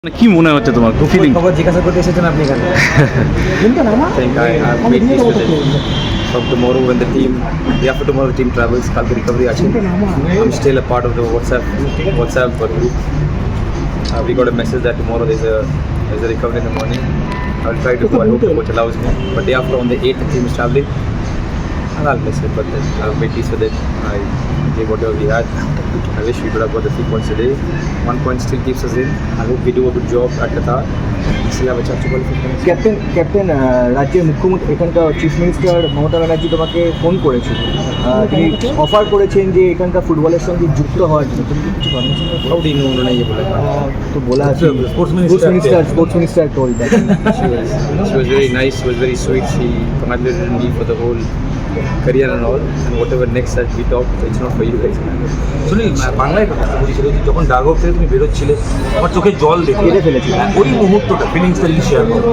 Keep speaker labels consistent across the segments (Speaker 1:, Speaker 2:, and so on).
Speaker 1: কি মনে হচ্ছে তোমার ফিলিং?
Speaker 2: খবর জিজ্ঞাসা করতে এসেছেন আপনি এখানে?
Speaker 3: I think I've made peace with it. From tomorrow when the team, day after tomorrow the team travels, Kalki recovery action. I'm still a part of the WhatsApp group. We got a message that tomorrow there's a recovery in the morning. I'll try to go. I hope the coach allows me. But day after on the 8th the team is traveling. And I'll miss it, but then I've made peace with it. I gave whatever we had. I wish we could have got the 3 points today. 1 point still keeps us in. I hope we do a good job at Qatar. We still have a chance to qualify for next.
Speaker 2: Captain রাজ্যের মুখ্যমন্ত্রী এখানকার chief minister Mamata Banerjee তোমাকে phone করেছিল, তিনি offer করেছেন যে এখানকার ফুটবলের সঙ্গে যুক্ত হওয়ার জন্য। তুমি কি কিছু permission
Speaker 3: How do you know उन्होंने ये बोला?
Speaker 2: তো বলা আছে sports minister told that.
Speaker 3: She was very nice, she was very sweet. She congratulated me for the whole career and all, and whatever next that we talked, it's not for you guys.
Speaker 4: শুনি বাংলায় কথা বলেছিল যে যখন dugout থেকে তুমি বেরোচ্ছিলে আমার চোখে জল দেখে
Speaker 2: কেঁদে ফেলেছিল।
Speaker 4: ওই মুহূর্তটা ফিলিংসটা যদি শেয়ার করো।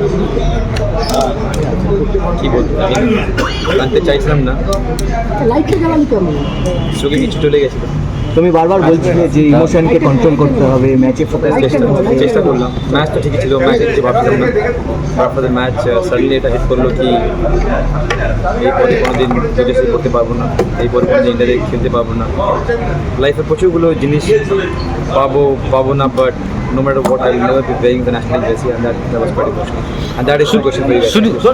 Speaker 3: কি বলবো, আমি জানতে চাইছিলাম না, চোখে কিছু চলে গেছিল।
Speaker 2: তুমি বারবার বলছিলে যে ইমোশনকে কন্ট্রোল করতে হবে, ম্যাচে ফোকাস
Speaker 3: চেষ্টা করলাম। ম্যাচ তো ঠিকই ছিল, ম্যাচে কিছু ভাবছিলাম না। আফটার দ্য ম্যাচ সাডেনলি এটা হিট করলো কি এরপরে কোনোদিন বিদেশে করতে পারবো না, এরপরে কোনোদিন ইন্ডিয়াতে খেলতে পারবো না। লাইফে প্রচুরগুলো জিনিস পাবো না, but no matter what, I will never be wearing the national jersey, and that was quite emotional. And that is the question for you guys.